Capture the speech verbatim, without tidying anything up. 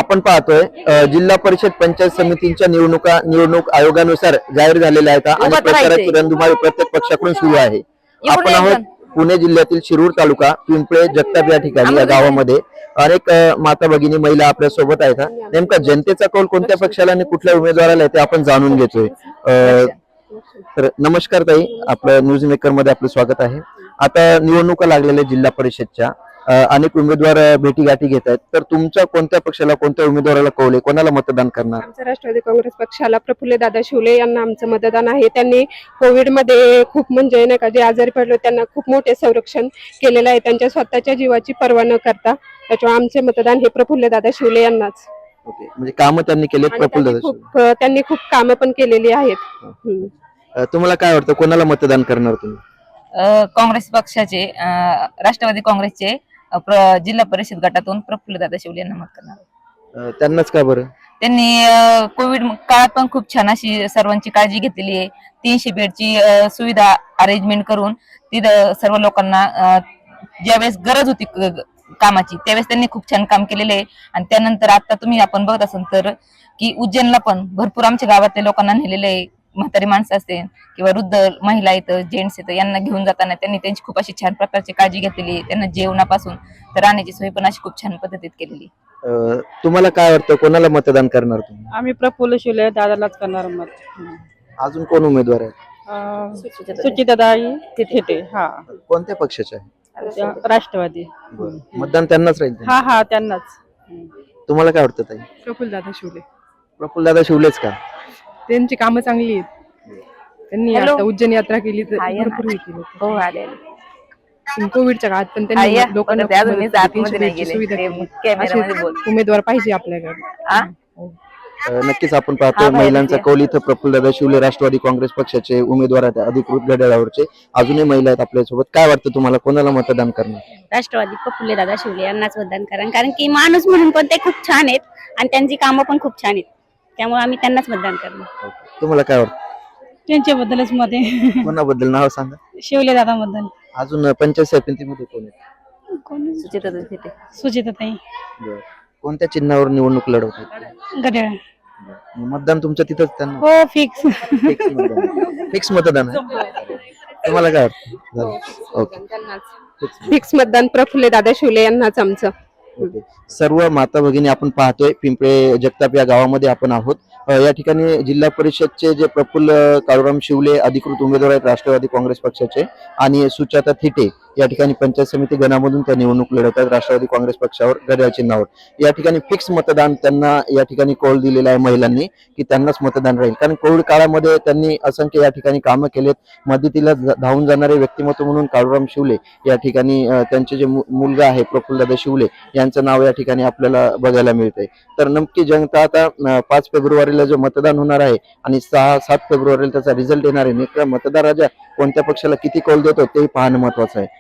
आपण पाहतोय अ, जिल्हा परिषद पंचायत समितींच्या निवडणुका निवडणूक आयोगानुसार जाहीर झालेल्या आहेत आणि उभं प्रचाराची राहायचंय. रणधुमाळी प्रत्येक पक्षाकडून सुरू आहे. इकडून आपण ये आहोत पण. पुणे जिल्ह्यातील शिरूर तालुका पिंपळे जगताप या ठिकाणी या गावामध्ये अनेक अ, माता भगिनी महिला आपल्या सोबत आहेत. नेमका जनतेचा कौल कोणत्या पक्षाला आणि कुठल्या उमेदवाराला आहे ते आपण जाणून घेतोय. अ, तर नमस्कार ताई, आपलं न्यूज मेकर मध्ये आपलं स्वागत आहे. आता निवडणुका लागलेल्या जिल्हा परिषदच्या अ, अनेक उमेदवार अ, भेटीगाठी घेत आहेत. तर तुमच्या कोणत्या पक्षाला कोणत्या उमेदवाराला कौल आहे, कोणाला मतदान करणार? आमचं राष्ट्रवादी काँग्रेस पक्षाला प्रफुल्ल दादा शिवले यांना आमचं मतदान आहे. त्यांनी कोविडमध्ये खूप म्हणजे नाही का जे आजारी पडले त्यांना खूप मोठे संरक्षण केलेलं आहे, त्यांच्या स्वतःच्या जीवाची पर्वा न करता. त्याच्यामुळे आमचे मतदान हे प्रफुल्ल दादा शिवले यांनाच. ओके, म्हणजे कामं त्यांनी केलेत आणि प्रफुल्ल त्यांनी दादा खूप त्यांनी खूप कामं पण केलेली आहेत. हम्म. अ, तुम्हाला काय वाटतं, कोणाला मतदान करणार तुम्ही? अ, काँग्रेस पक्षाचे अ, राष्ट्रवादी काँग्रेसचे अ, प्र- जिल्हा परिषद गटातून प्रफुल्लदादा शिवले यांना मत करणार. अ, त्यांनाच का बरं? त्यांनी अ, कोविड काळात पण खूप छान अशी सर्वांची काळजी घेतलेली आहे. तीनशे बेडची अ, सुविधा अरेंजमेंट करून तिथं सर्व लोकांना अ, ज्यावेळेस गरज होती क- ग- कामाची त्यावेळेस त्यांनी खूप छान काम केलेले आहे. आणि त्यानंतर आता तुम्ही आपण बघत असाल तर की उज्जैनला पण भरपूर आमच्या गावातल्या लोकांना नेलेले आहे. म्हातारी माणसं असते किंवा वृद्ध महिला येतं, जेंट्स येतं, यांना घेऊन जाताना त्यांनी त्यांची खूप अशी छान प्रकारची काळजी घेतलेली आहे. त्यांना जेवणापासून तर राहण्याची सोय पण अशी खूप छान पद्धतीत केलेली आहे. अ, तुम्हाला काय वाटतं, कोणाला मतदान करणार तुम्ही? आम्ही प्रफुल्ल शिवले दादालाच करणार मत. अजून कोण उमेदवार आहेत? सुचिताताई थेटे हा कोणत्या पक्षाचे आहे? त्या राष्ट्रवादी. मतदान त्यांनाच राहील. हा हा त्यांनाच. तुम्हाला काय वाटतं ताई? प्रफुल्ल दादा शिवले प्रफुल्ल दादा शिवलेच का? त्यांची कामं चांगली आहेत. त्यांनी हॅलो. आता उज्जैन यात्रा केली तर हा, ये ना. भरपूर हे केलं. हो आले कोविडच्या काळात पण हा, त्यांनी या. लोकांना बघा, ते अजून खूप मी मदत केली, आतमध्ये तीनशे नाही बेडची गेले. सुविधा ते केली. कॅमेऱ्यामध्ये असे बोल. उमेदवार पाहिजे आपल्याकडे. आ? अ, नक्कीच आपण पाहतो हा, बाहेर महिलांचा ये. कौल इथं प्रफुल्लदादा शिवले राष्ट्रवादी काँग्रेस पक्षाचे उमेदवार आहेत, अधिकृत घड्याळावरचे. अजूनही महिला आहेत आपल्यासोबत. काय वाटतं तुम्हाला, कोणाला मतदान करणार? राष्ट्रवादी प्रफुल्ल दादा शिवले यांनाच मतदान करा, कारण की माणूस म्हणून पण ते खूप छान आहेत आणि त्यांची कामं पण खूप छान आहेत. त्यामुळे आम्ही त्यांनाच मतदान करणार. तुम्हाला काय वाटतं, त्यांच्याबद्दलच मत आहे. कोणाबद्दल नाव सांगा? शिवले दादा बद्दल. अजून पंचायत समितीमध्ये कोण आहे? सुचिताताई थेटे. सुचिताताई बरं. कोणत्या चिन्हावर निवडणूक लढवतात? गड्याळ. मतदान तुमचं तिथंच त्यांना हो फिक्स. फिक्स मतदान फिक्स मतदान आहे. तुम्हाला काय वाटतं? झालं. ओके. फिक्स मतदान प्रफुल्ल दादा शिवले यांनाच आमचं. ओके. सर्व माता भगिनी आपण पाहतोय पिंपळे जगताप या गावामध्ये आपण आहोत. अ, या ठिकाणी जिल्हा परिषदचे जे प्रफुल्ल काळूराम शिवले अधिकृत उमेदवार आहेत राष्ट्रवादी काँग्रेस पक्षाचे, आणि सुचाता थिटे या ठिकाणी पंचायत समिती गणामधून त्या निवडणूक लढवत आहेत राष्ट्रवादी काँग्रेस पक्षावर घड्याळ चिन्हावर. या ठिकाणी फिक्स मतदान त्यांना या ठिकाणी कौल दिलेला आहे महिलांनी की त्यांनाच मतदान राहील, कारण कोविड काळामध्ये त्यांनी असंख्य या ठिकाणी कामं केलेत. मदतीला ज- धावून जाणारे व्यक्तिमत्व म्हणून काळूराम शिवले या ठिकाणी अ, त्यांचे जे मु- मुलगा आहे प्रफुल्लदादा शिवले यांचं नाव या ठिकाणी आपल्याला बघायला मिळतंय. तर नक्की जनता आता अ, पाच फेब्रुवारीला जो मतदान होणार आहे आणि सहा सात फेब्रुवारीला त्याचा रिझल्ट येणार आहे. नेमका मतदार राजा कोणत्या पक्षाला किती कौल देतो ते पाहणं महत्वाचं आहे.